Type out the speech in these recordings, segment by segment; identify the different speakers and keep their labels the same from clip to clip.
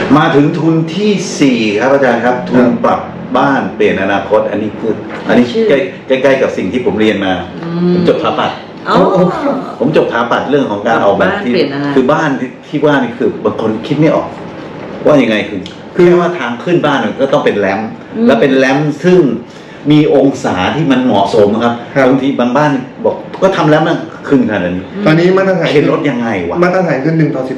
Speaker 1: มาถึงทุนที่4ครับอาจารย์ครับทุนปรับบ้านเปลี่ยนอนาคตอันนี้ใกล้ๆกับสิ่งที่ผมเรียนมาผมจบสถาปัตย์ผมจบสถาปัตย์เรื่องของการออกแบบที่คือบ้านที่ว่านี่คือบางคนคิดไม่ออกว่ายังไงคือแค่ว่าทางขึ้นบ้านมันก็ต้องเป็นแรมแล้วเป็นแรมซึ่งมีองศาที่มันเหมาะสมครับบางทีบางบ้านบอกก็ทำแล้วมันขึ้นขนาดนี้
Speaker 2: ตอนนี้มาตรฐาน
Speaker 1: เข็นรถยังไงวะ
Speaker 2: มาตรฐานคือ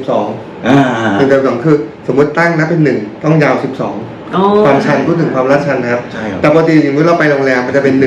Speaker 2: 1:12 1:12คือสมมติตั้งนะเป็น1ต้องยาว12ความชันพูดถึงความลาดชันนะครับแต่ปกติอย่างเมื่อเราไปโรงแรมมันจะเป็น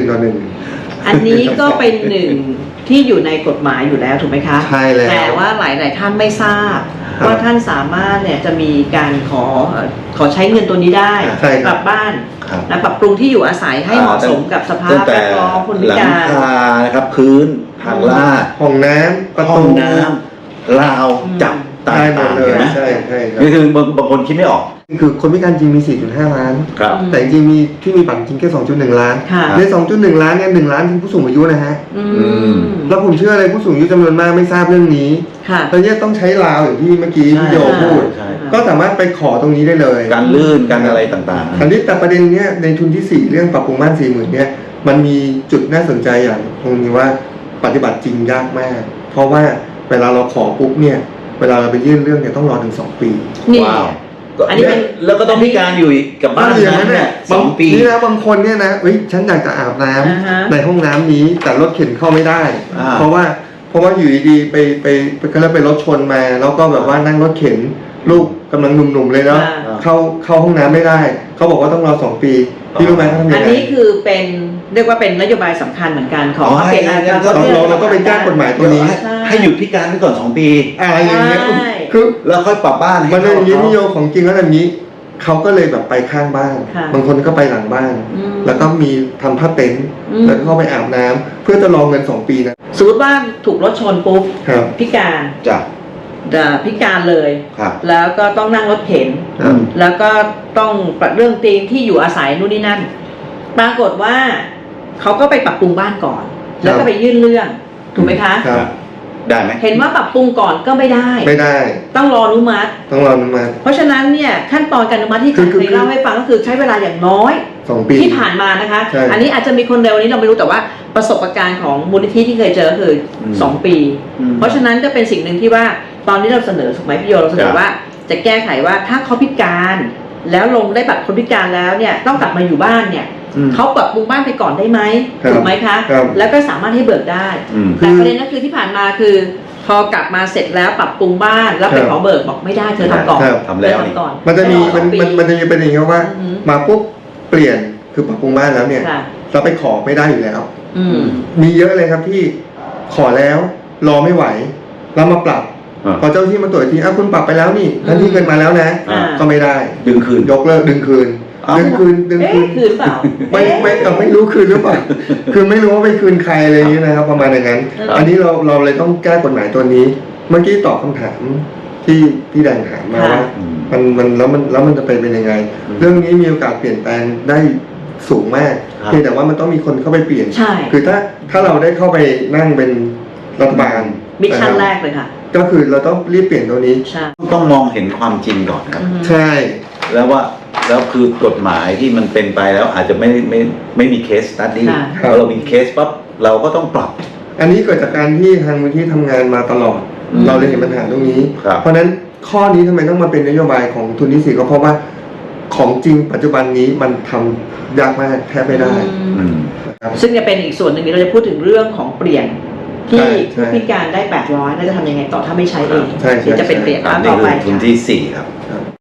Speaker 2: 1:1
Speaker 3: อันนี้ก็เป็นหนึ่งที่อยู่ในกฎหมายอยู่แล้วถูกไหมคะ
Speaker 2: ใช่แล้ว
Speaker 3: แต่ว่าหลายท่านไม่ทราบว่าท่านสามารถเนี่ยจะมีการขอใช้เงินตัวนี้ได้ปรับบ้านและปรับปรุงที่อยู่อาศัยให้เหมาะสมกับสภาพแวดล้อมคนพิการ
Speaker 1: หลังคานะครับพื้นทางลาด
Speaker 2: ห้องน้ำประตู
Speaker 1: ห้องน้ำราวจับต่างๆเลยนะ
Speaker 2: ใช่
Speaker 1: นี่คือบางคนคิดไม่ออก
Speaker 2: คือคนพิการจริงมี 4.5 ล้านแต่จริงมีที่มีบัตรจริงแค่ 2.1 ล้านใน 2.1 ล้านเนี่ย1 ล้านคือผู้สูงอายุนะฮะแล้วผมเชื่อเลยผู้สูงอายุจำนวนมากไม่ทราบเรื่องนี้ตอนนี้ต้องใช้ราวอย่างที่เมื่อกี้พี่โยพูดก็สามารถไปขอตรงนี้ได้เลย
Speaker 1: การลื่นการอะไรต่างๆ
Speaker 2: อันนี้แต่ประเด็นเนี้ยในทุนที่4เรื่องปรับปรุงบ้าน 40,000เนี่ยมันมีจุดน่าสนใจอย่างตรงนี้ว่าปฏิบัติจริงยากมากเพราะว่าเวลาเราขอปุ๊บเนี่ยเวลาเราไปยื่นเรื่องเนี่ยต้องรอถึง2 ปี
Speaker 1: ว้าวอันนี้แล้วก็ต้องพิการอยู่กับบ้านนั้นเนี่ย2 ปี
Speaker 2: นี่นะบางคนเนี่ยนะฉันอยากจะอาบน้ำในห้องน้ำนี้แต่รถเข็นเข้าไม่ได้เพราะว่าอยู่ดีๆไปก็ไปรถชนมาแล้วก็แบบว่านั่งรถเข็นลูกกำลังหนุ่มๆเลยเนาะเข้าห้องน้ำไม่ได้เขาบอกว่าต้องรอ2 ปีพี่รู้ไหมเขาทำยังไง
Speaker 3: อันนี้คือเป็นเรียกว่าเป็นนโยบายสำคัญเหมือนกันของเปลี่ยน
Speaker 2: เราก็ไปแก้กฎหมายตัวนี้
Speaker 1: ให้หยุดพิการไปก่อน2 ปี
Speaker 2: อะไรอย่างเงี้ยคือ
Speaker 1: แล้วค่อยปรับบ้าน
Speaker 2: มันเป็นอย่างนี้นิยมของจริงแล้วแบบนี้เขาก็เลยแบบไปข้างบ้านบางคนก็ไปหลังบ้านแล้วก็มีทำผ้าเต็นท์แล้วก็เข้าไปอาบน้ำเพื่อจะรอเงิน2 ปีนะ
Speaker 3: สมมติว่าถูกรถชนปุ๊บพิการ
Speaker 1: จ้ะ
Speaker 3: พิการเลยแล้วก็ต้องนั่งรถเข็นแล้วก็ต้องปรับเรื่องเตียงที่อยู่อาศัยนู่นนี่นั่นปรากฏว่าเขาก็ไปปรับปรุงบ้านก่อนแล้วก็ไปยื่นเรื่องถูกไหมคะ
Speaker 1: ได้ไหม
Speaker 3: เห็นว่าปรับปรุงก่อนก็ไม่ได้ต้องรออนุมัติเพราะฉะนั้นเนี่ยขั้นตอนการอนุมัติที่เคยเล่าให้ฟังก็คือใช้เวลาอย่างน้อย
Speaker 2: 2 ปี
Speaker 3: ที่ผ่านมานะคะอันนี้อาจจะมีคนเร็วนี้เราไม่รู้แต่ว่าประสบการณ์ของมูลนิธิที่เคยเจอคือ2 ปีเพราะฉะนั้นก็เป็นสิ่งหนึ่งที่ว่าตอนนี้เราเสนอถูกไหมพี่โยเราเสนอว่าจะแก้ไขว่าถ้าเขาพิการแล้วลงได้บัตรคนพิการแล้วเนี่ยต้องกลับมาอยู่บ้านเนี่ยเขาปรับปรุงบ้านไปก่อนได้ไหมถูกไหมคะแล้วก็สามารถให้เบิกได้แต่ประเด็นก็คือที่ผ่านมาคือพอกลับมาเสร็จแล้วปรับปรุงบ้านแล้วไปขอเบิกบอกไม่ได้เธอทำก่อน
Speaker 1: ทำแล้ว
Speaker 3: ก่อน
Speaker 2: มันจะมีประเด็นว่ามาปุ๊บเปลี่ยนคือปรับปรุงบ้านแล้วเนี่ยเราไปขอไม่ได้อยู่แล้วมีเยอะเลยครับที่ขอแล้วรอไม่ไหวเรามาปรับพอเจ้าที่มาตรวจทีคุณปรับไปแล้วนี่ท่านที่เงินมาแล้วนะก็ไม่ได้
Speaker 1: ดึงคืน
Speaker 2: ยกเลิกดึงคืน
Speaker 3: คืนเปล่า
Speaker 2: ไม่รู้คืนหรือเปล่าคือไม่รู้ว่าไปคืนใครอะไรอย่างนี้นะครับประมาณอย่างนั้นอันนี้เราเลยต้องแก้กฎหมายตัวนี้เมื่อกี้ตอบคำถามที่พี่แดงถามมาว่าแล้วมันจะเป็นยังไงเรื่องนี้มีโอกาสเปลี่ยนแปลงได้สูงมากเพียงแต่ว่ามันต้องมีคนเข้าไปเปลี่ยนคือถ้าเราได้เข้าไปนั่งเป็นรัฐบาล
Speaker 3: มิชชั่นแรกเลยค่ะ
Speaker 2: ก็คือเราต้องรีบเปลี่ยนตัวนี้
Speaker 1: ต้องมองเห็นความจริงก่อนครับ
Speaker 2: ใช่
Speaker 1: แล้วคือกฎหมายที่มันเป็นไปแล้วอาจจะไม่มีเคสสตั๊ดดี้พอเรามีเคสปั๊บเราก็ต้องปรับ
Speaker 2: อันนี้เกิดจากการที่ทางมูลที่ทำงานมาตลอดเราเลยเห็นปัญหาตรงนี้เพราะนั้นข้อนี้ทำไมต้องมาเป็นนโยบายของทุนที่4ก็เพราะว่าของจริงปัจจุบันนี้มันทำยากมากแทบไม่ได้
Speaker 3: ซึ่งจะเป็นอีกส่วนหนึ่งที่เราจะพูดถึงเรื่องของเปลี่ยนที่ผู้พิการได้800แล้วจะทำยังไงต่อถ้าไม่ใช้เองจะเป็นเปลี่ยนต่อไป
Speaker 1: ทุนที่4ครับ